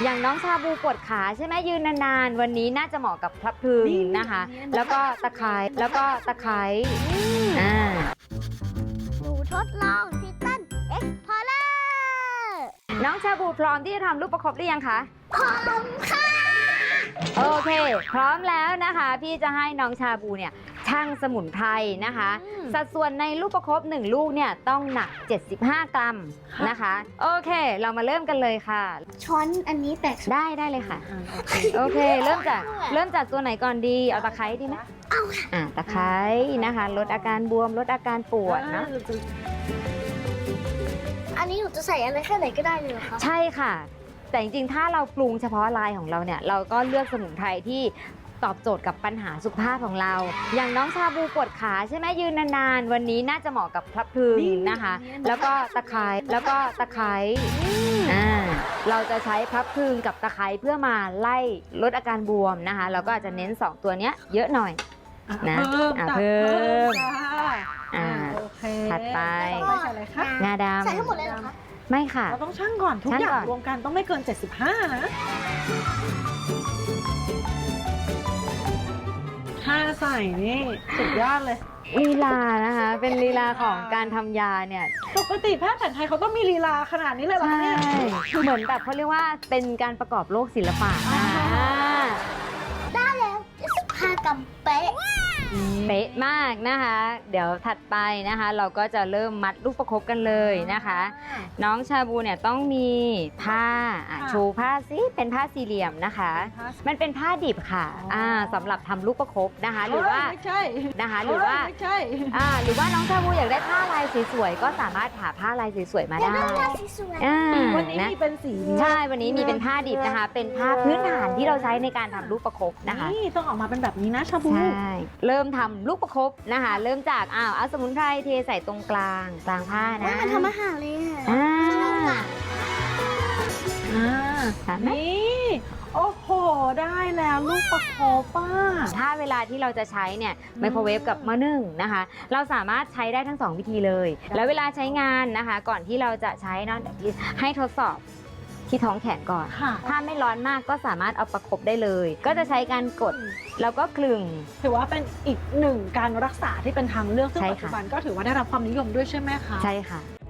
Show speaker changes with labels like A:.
A: อย่างน้องชาบูปวดขาใช่ไหมยืนนานๆวันนี้น่าจะเหมาะกับพลับพลึงนะคะ แล้วก็ตะไคร้
B: หนูทดลองทิตันเอ็กพอร์เลอร์
A: น้องชาบูพร้อมที่จะทำลูกประคบหรือยังคะ
B: พร้อมค่ะ
A: โอเค พร้อมแล้วนะคะ พี่จะให้น้องชาบูเนี่ยชั่งสมุนไพรนะคะ สัดส่วนในลูกประคบ1ลูกเนี่ยต้องหนัก75 กรัมนะคะ โอเค เรามาเริ่มกันเลยค่ะ
B: ช้อนอันนี้แตก
A: ได้เลยค่ะ โอเค เริ่มจากตัวไหนก่อนดี เอาตะไคร้ดีไหม
B: เอาค่ะ
A: ตะไคร้นะคะลดอาการบวมลดอาการปวดนะ
B: อันนี้หนูจะใส่อะไรแค่ไหนก็ได้เลยเหรอคะ
A: ใช่ค่ะ แต่จริงๆ ถ้าเราปรุงเฉพาะลายของเราเนี่ย เราก็เลือกสมุนไพรที่ตอบโจทย์กับปัญหาสุขภาพของเรา อย่างน้องชาบูปวดขาใช่ไหมยืนนานๆ วันนี้น่าจะเหมาะกับพลับพลึงนะคะ แล้วก็ตะไคร้เราจะใช้พลับพลึงกับตะไคร้เพื่อมาไล่ลดอาการบวมนะคะ เราก็อาจจะเน้น2ตัวเนี้ยเยอะหน่อยนะเพิ่ม
C: โอเค
A: ถัดไป
C: ต่อไปใส่อะไรคะ
A: งาดำ
B: ใส่ทั้งหมดเลยเหรอคะ
A: ไม่ค่ะ
C: เราต้องชั่งก่อนทุก
A: ชั่ง
C: อย่า
A: ก่
C: ง
A: อน
C: รวมกันต้องไม่เกิน 75 นะถ้าใส่นี่สุดยอดเลย
A: ลีลานะคะ เป็นลีลาของการทำยาเนี่ย
C: ปกติแพทย์แผนไทยเขาต้องมีลีลาขนาดนี้เลยเหรอ
A: ใช่
C: คะเนี่ย
A: เหมือนแบบเขาเรียกว่าเป็นการประกอบโลกศิลปะนะ
B: ได้แล้ว75 กรัมเป๊ะ
A: เป๊ะมากนะคะ เดี๋ยวถัดไปนะคะ เราก็จะเริ่มมัดลูกประคบกันเลยนะคะ น้องชาบูเนี่ยต้องมีผ้าโชว์ผ้าสิเป็นผ้าสี่เหลี่ยมนะคะ มันเป็นผ้าดิบค่ะสำหรับทำลูกประคบนะคะ หรือว่า
C: ไม่ใช่
A: นะคะหรือว่า
C: ไม่ใช่
A: หรือว่าน้องชาบูอยากได้ผ้าลายสวยๆก็สามารถหาผ้าลายสวยๆมา
B: อยาก
A: ได้
B: ได้ลายสวย
C: วันนี้
A: นะ
C: มีเป็นสี
A: ใช่ วันนี้มีเป็นผ้าดิบนะคะ เป็นผ้าพื้นฐานที่เราใช้ในการทำลูกประคบนะคะ
C: นี่ต้องออกมาเป็นแบบนี้นะชาบู
A: ใช่ เริ่มทำลูกประคบนะคะ เริ่มจากเอาสมุนไพรเทใส่ตรงกลางผ้า
B: ๆ
A: นะ
B: มันทำอาหารเลยค่ะ
A: อ่า
B: สนุกอ่ะ
A: เห็นไหม
C: นี่โอ้โหได้แล้วลูกประคบป้า
A: ถ้าเวลาที่เราจะใช้เนี่ยไมโครเวฟกับหม้อนึ่งนะคะ เราสามารถใช้ได้ทั้ง2วิธีเลย แล้วเวลาใช้งานนะคะ ก่อนที่เราจะใช้เนาะเดี๋ยวพี่ให้ทดสอบที่ท้องแขนก่อน
C: ค่ะ
A: ถ้าไม่ร้อนมากก็สามารถเอาประคบได้เลย ก็จะใช้การกดแล้วก็คลึง
C: ถือว่าเป็นอีกหนึ่งการรักษาที่เป็นทางเลือกซึ่ง
A: ใช่
C: ปัจ
A: ค่ะ
C: จุบันก็ถือว่าได้รับความนิยมด้วยใช่ไหมคะ
A: ใช่ค่ะ